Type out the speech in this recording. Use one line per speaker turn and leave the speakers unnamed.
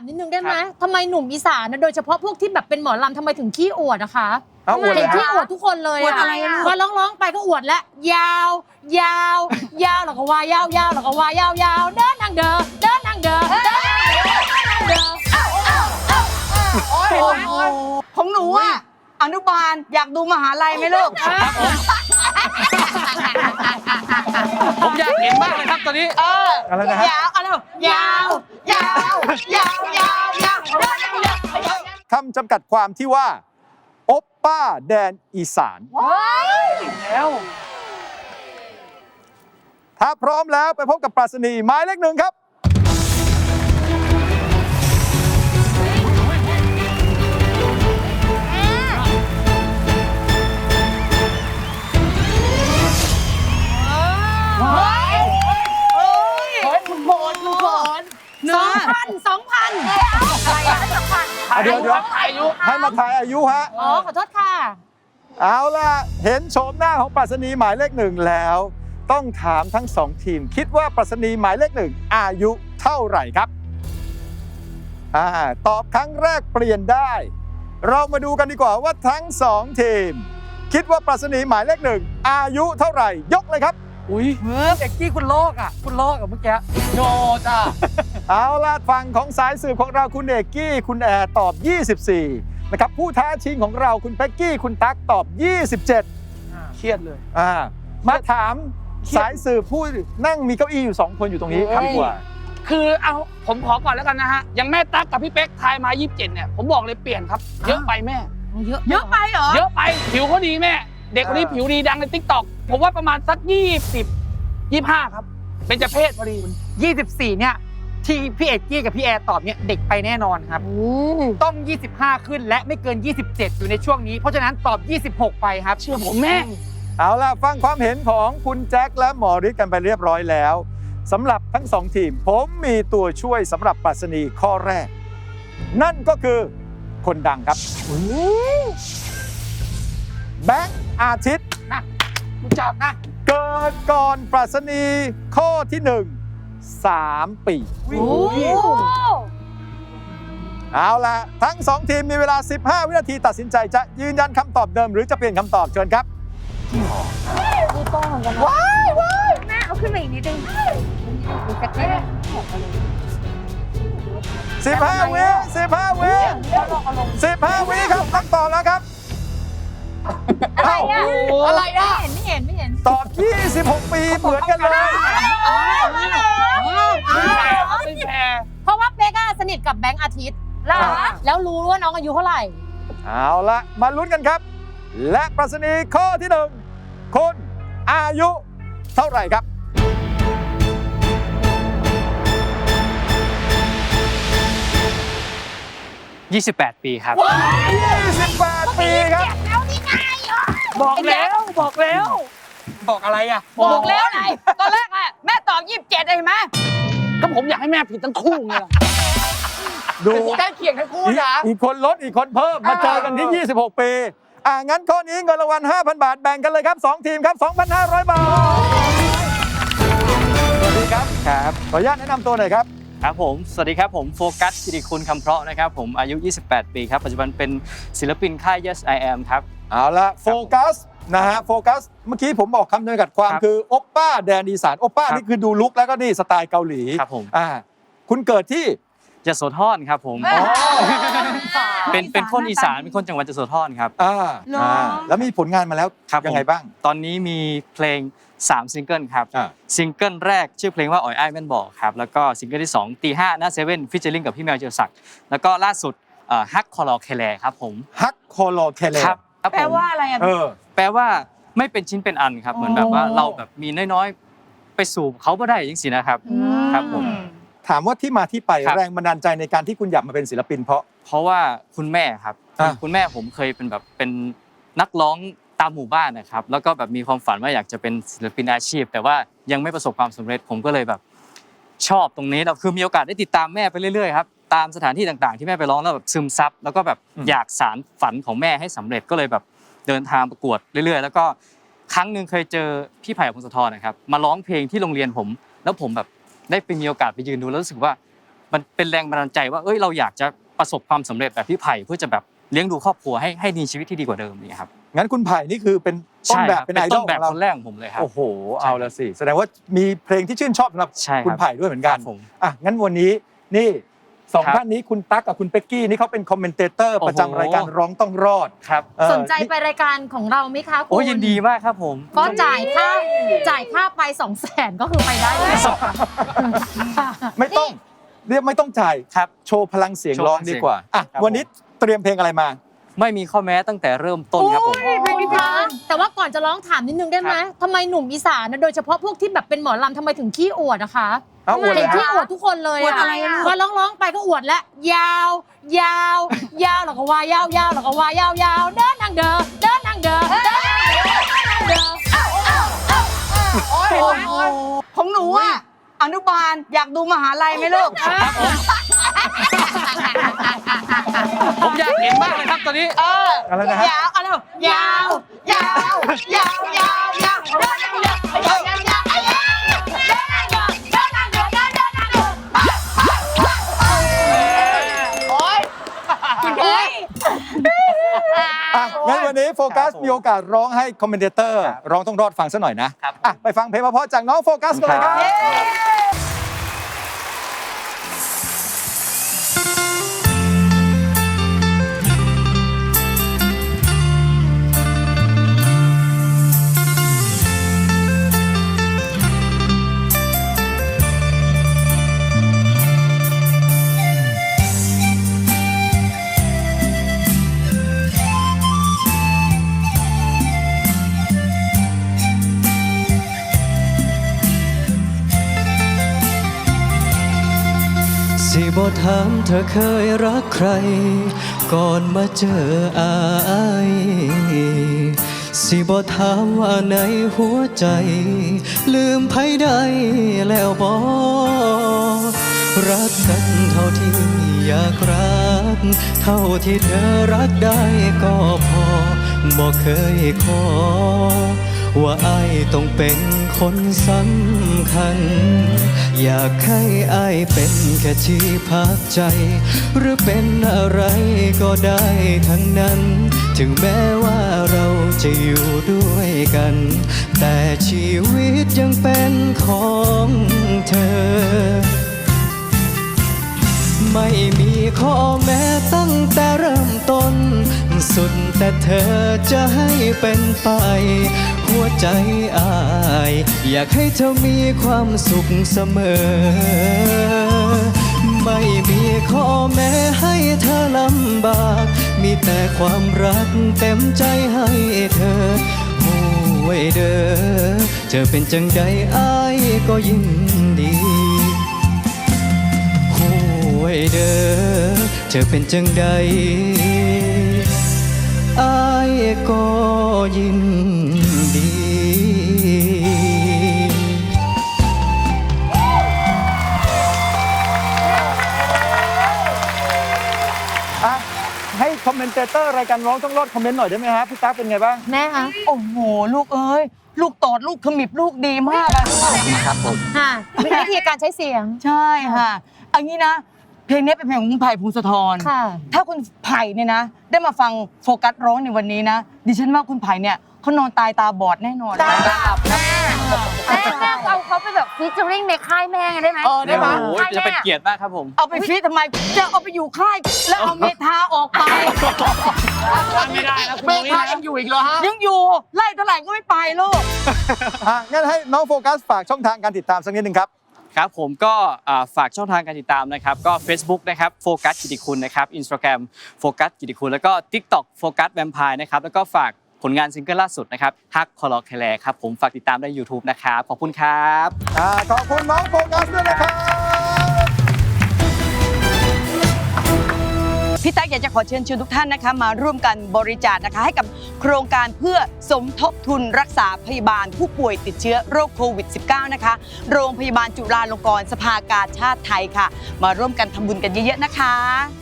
ามนิดนึงได้ไหมทำไมหนุ่มอีสานนะโดยเฉพาะพวกที่แบบเป็นหมอลำทำไมถึงขี้อวดนะคะ
เอาอวด
เห็น
เลย
ขี้อวดทุกคนเลย
อวดอะไรอะ
พอร้องไปก็อวดแล้วยาวยาวยาวแล้วก็ว่ายาวยาวแล้วก็ว่ายาวยาวเดินทางเดินเดินทางเดินเดินทางเดิน
โอ้ยของหนูอ่ะอนุบาลอยากดูมหาลัยไหมลูก
ผมอยากเห็นมากเลยครับตอนนี้
อะไรนะฮะ
ยาวอะไรยาวยาวยาวยาวยาว
คำจำกัดความที่ว่าโอปป้าแดนอีสาน
แล้ว
ถ้าพร้อมแล้วไปพบกับปรัชนีหมายเลข 1ครับ
คุณโบนคุณโบน
2,000
เดี๋ยว
อายุ
ให้มาทายอายุฮะ
อ๋อขอโทษค่ะ
เอาล่ะ เห็นโฉมหน้าของปรัชนีหมายเลข 1แล้ว ต้องถามทั้ง 2 ทีม คิดว่าปรัชนีหมายเลข 1อายุเท่าไหร่ครับตอบครั้งแรกเปลี่ยนได้ เรามาดูกันดีกว่าว่าทั้ง 2 ทีม คิดว่าปรัชนีหมายเลข 1อายุเท่าไหร่ ยกเลยครับ
อุ้ย
เด็กที่คุณโลกอ่ะคุณโลกกับเมื่อกี้
โนจ้า
เอาล่ะฝั่งของสายสืบของเราคุณเอกกี้คุณแอร์ตอบ 24 นะครับผู้ท้าชิงของเราคุณเป๊กกี้คุณตั๊กตอบ 27
เครียดเลย
มาถามสายสืบผู้นั่งมีเก้าอี้อยู่ 2 คนอยู่ตรงนี้ครับดีกว่า
คือเอาผมขอก่อนแล้วกันนะฮะอย่างแม่ตั๊กกับพี่เป๊กทายมา 27 เนี่ยผมบอกเลยเปลี่ยนครับ เยอะไปแม่
เยอะ
เยอะไปเหรอ
เยอะไปผิวเขาดีแม่ เด็กคนนี้ผิวดีดังใน TikTok ผมว่าประมาณสัก 25 ครับ เป็นเจเพศพอดี
24เนี่ยที่พี่เอกกี้กับพี่แอร์ตอบเนี่ยเด็กไปแน่นอนครับต้อง 25 ขึ้นและไม่เกิน 27 อยู่ในช่วงนี้ เพราะฉะนั้นตอบ 26 ไปครับ
เชื่อผมแม่
เอาล่ะฟังความเห็นของคุณแจ็คและหมอฤทธิ์กันไปเรียบร้อยแล้วสำหรับทั้ง 2 ทีม ผมมีตัวช่วยสำหรับปรัชนีข้อแรก นั่นก็คือคนดังครับแบงค์อาทิตย์
รู้จักนะ
เกิดก่อนปรัชนีข้อที่ 1 3 ปี
โอ้โห
เอาล่ะทั้ง 2 ทีมมีเวลา 15 วินาทีตัดสินใจจะยืนยันคำตอบเดิมหรือจะเปลี่ยนคำตอบเชิญครับ
มีโป้งเหมือนกันนะ
แม่เอาขึ้นมาอีกนิดนึง
15 วิ15 วิ15 วิครับคำตอบแล้วครับเอ้า
อะไรอ่ะไม่เห็น
ตอบ 26 ปีเหมือนกันเลย
ไม่แพ้ครับไม่แพ้
เพราะว่าเป๊กอะสนิทกับแบงค์อาทิตย์แล้วรู้ว่าน้องอายุเท่าไหร่
เอาละมาลุ้นกันครับ และปรัชนีข้อที่ 1 คุณอายุเท่าไหร่ครับ
28 ปีครับ
28 ปีครับ
บอกแล้วบอกแล้ว
บอกอะไรอ่ะ
บอกแล้วไง
ตอนแรกอ่ะแม่ตอบ 27เห็นไหม
ก็ผมอยากให้แม่ผิดทั้งคู่ไงล่ะ
ดู
ใกล้เคียงทั้งคู่นะ
อีกคนลดอีกคนเพิ่มมาเจอกันที่ 26 ปีงั้นข้อนี้เงินรางวัล 5,000 บาทแบ่งกันเลยครับ 2 ทีมครับ 2,500 บาท สวัสดีครับครับขออนุญาตแนะนำตัวหน่อยครับ
ครับผม สวัสดีครับผมโฟกัสกิติคุณคำเพราะนะครับผมอายุ 28 ปีครับ ปัจจุบันเป็นศิลปินค่าย Yes I Am ครับ
เอาละโฟกัสนะฮะโฟกัสเมื่อกี้ผมบอกคำจำกัดความ
ครับ
คือโอปป้าแดนอีสานโอปป้า
ครับ
นี่คือดูลุคแล้วก็นี่สไตล์เกาหลี
ครับผม
คุณเกิดที่
ยโสธรครับผมเป็นคนอีสานเป็นคนจังหวัดยโสธรครับ
แล้วมีผลงานมาแล้ว
ครับผม
ยังไงบ้าง
ตอนนี้มีเพลง3ซิงเกิลครับ ซิงเกิลแรกชื่อเพลงว่าอ่อยอ้ายแม่นบอกครับแล้วก็ซิงเกิลที่2ตีห้าหน้าเซเว่นฟิชเชอร์ลิงกับพี่แมวเจรศักดิ์แล้วก็ล่าสุดฮักคอลอเคแลครับผม
ฮักโคโลเคเล
ครับผม
แปลว่าอะไรอ่ะ
แปลว่าไม่เป็นชิ้นเป็นอันครับเหมือนแบบว่าเราแบบมีน้อยๆไปสู่เขาบ่ได้จริงๆนะครับครับผม
ถามว่าที่มาที่ไป
ครับ
แรงบันดาลใจในการที่คุณอยากมาเป็นศิลปินเพราะ
ว่าคุณแม่ครับ
อ่ะ
คุณแม่ผมเคยเป็นแบบเป็นนักร้องตามหมู่บ้านนะครับแล้วก็แบบมีความฝันว่าอยากจะเป็นศิลปินอาชีพ แต่ว่ายังไม่ประสบความสำเร็จผมก็เลยแบบชอบตรงนี้แล้วคือมีโอกาสได้ติดตามแม่ไปเรื่อยๆครับตามสถานที่ต่างๆที่แม่ไปร้องแล้วแบบซึมซับแล้วก็แบบอยากสานฝันของแม่ให้สำเร็จก็เลยแบบเดินทางประกวดเรื่อยๆ แล้วก็ครั้งหนึ่งเคยเจอพี่ไผ่พงศธรนะครับมาร้องเพลงที่โรงเรียนผมแล้วผมแบบได้ไปมีโอกาสไปยืนดูแล้วรู้สึกว่ามันเป็นแรงบันดาลใจว่าเราอยากจะประสบความสำเร็จแบบพี่ไผ่เพื่อจะแบบเลี้ยงดูครอบครัวให้มีชีวิตที่ดีกว่าเดิมนี่ครับ
งั้นคุณไผ่นี่คือเป็นต้น
ใช่
แบ
ค
บ
รับ
เป็น
เป็น
ไอด
ต้
อล
น
ข
แบ
อบ งเรา
คนแรกของผมเลยครับ
โอ้โหเอาละสิแสดงว่ามีเพลงที่ชื่นชอบสำหรับ
ใช่ครับ
คุณไผ่ด้วยเหมือนกัน
ครับผม
อ่ะงั้นวันนี้นี่สอง
ครับ
ท่านนี้คุณตั๊กกับคุณเป็กกี้นี่เขาเป็นคอมเมนเตเตอร์
โอ้โห
ประจำรายการร้องต้องรอด
ครับ
สนใจไปรายการของเราไหมคะคุณ
โอ้ยินดีมากครับผม
ก็จ่ายค่าไป200,000ก็คือไปได้เลย
ไม่ต้องเรียกไม่ต้องจ่าย
ครับ
โชว์พลังเสียง
โชว์
ร้อง
พลังเสี
ดี
ยง
กว่าอ่ะ
ครับ
วันนี้เตรียมเพลงอะไรมา
ไม่มีข้อแม้ตั้งแต่เริ่มต้นครับผม
เพลงนี้เพราะแต่ว่าก่อนจะร้องถามนิดนึงได้ไหมทำไมหนุ่มอีสานนะโดยเฉพาะพวกที่แบบเป็นหมอลำทำไมถึงขี้อวดนะคะ
เอาอวด
เห็น
เลย
ขี้
ฮะ
อวดทุกคนเลย
อวดอะไรอะ
พอร้องไปก็อวดแล้วยาวยาวยาวแล้วก็ว่ายาวยาวแล้วก็ว่ายาวยาวเดินนางเดินเดินนางเดินเดินนางเดิน
ของหนูอะอนุบาลอยากดูมหาลัยไหมลูก
ผมอยากเห็นมากเลยครับตอนนี้
อะไรนะฮะ
ยาวอะไรยาวยาวยาวยาวยาวยาว
อ่ะงั้นวันนี้โฟกัสมีโอกาสร้องให้คอมเมนเตอร์ร้องต้องรอดฟังซะหน่อยนะครับ อ่ะไปฟังเพลงเพราะๆจากน้องโฟกัสกันเลยครับ
สิบ่ถามเธอเคยรักใคร ก่อนมาเจออายสิบ่ถามว่าในหัวใจ ลืมไผได้แล้วบ่รักกันเท่าที่อยากรัก เท่าที่เธอรักได้ก็พอบ่เคยขอ ว่าอายต้องเป็นคนสำคัญ อยากให้อายเป็นแค่ที่พักใจ หรือเป็นอะไรก็ได้ทั้งนั้น ถึงแม้ว่าเราจะอยู่ด้วยกัน แต่ชีวิตยังเป็นของเธอ ไม่มีข้อแม้ตั้งแต่เริ่มต้น สุดแต่เธอจะให้เป็นไป หัวใจอายอยากให้เธอมีความสุขเสมอ ไม่มีข้อแม้ให้เธอลำบาก มีแต่ความรักเต็มใจให้เธอโอ้ไว้เด้อเธอเป็นจังใดอายก็ยินดีไว้เด้อเธอเป็นจังใดอายก็ยินดี
อ่ะให้คอมเมนเตเตอร์รายการร้องต้องรอดคอมเมนต์หน่อยได้ไหมฮะพี่ตั๊กเป็นไงบ้าง
แม่คะ
โอ้โหลูกเอ้ยลูกโตดลูกขมิบลูกดีมากอะลูก
ค่ะวิธีการใช้เสียง
ใช่ค่ะอันนี้นะ เพลงนี้เป็นเพลงของคุณไผ่พงศธร
ค่ะ
ถ้าคุณไผ่เนี่ยนะ ได้มาฟังโฟกัสร้องในวันนี้นะ ดิฉันว่าคุณไผ่เนี่ยเขานอนตายตาบอดแน่นอน
แม่เอาเขาไปแบบฟีเจอริ่งในค่ายแม่ได้ไหม
ได้ไหม
โอ้โหจะเป็นเกียรติมากครับผม
เอาไปฟีดทำไม จะเอาไปอยู่ค่าย แล้วเอาเมทาออกไป
ไม่ได้นะคุณ
เม
นุ้ย
ฆา
นะ
ยังอยู่อีกเหรอฮะ
ยังอยู่ ไล่เท่าไหร่ก็ไม่ไปลูก
อ่ะงั้นให้น้องโฟกัสฝากช่องทางการติดตามสักนิดนึงครับ
ครับผมก็ฝากช่องทางการติดตามนะครับก็ Facebook นะครับโฟกัสกิติคุณนะครับ Instagram โฟกัสกิติคุณแล้วก็ TikTok โฟกัสแวมไพร์นะครับแล้วก็ฝากผลงานซิงเกิลล่าสุดนะครับฮักคอลอแคลครับผมฝากติดตามได้ YouTube นะครับขอบคุณครับ
ขอบคุณน้องโฟกัสด้วยนะครับ
พี่ตั๊กอยากจะขอเชิญชวนทุกท่านนะคะมาร่วมกันบริจาคนะคะให้กับโครงการเพื่อสมทบทุนรักษาพยาบาลผู้ป่วยติดเชื้อโรคโควิด -19 นะคะโรงพยาบาลจุฬาลงกรณ์สภากาชาดไทยค่ะ มาร่วมกันทำบุญกันเยอะๆนะคะ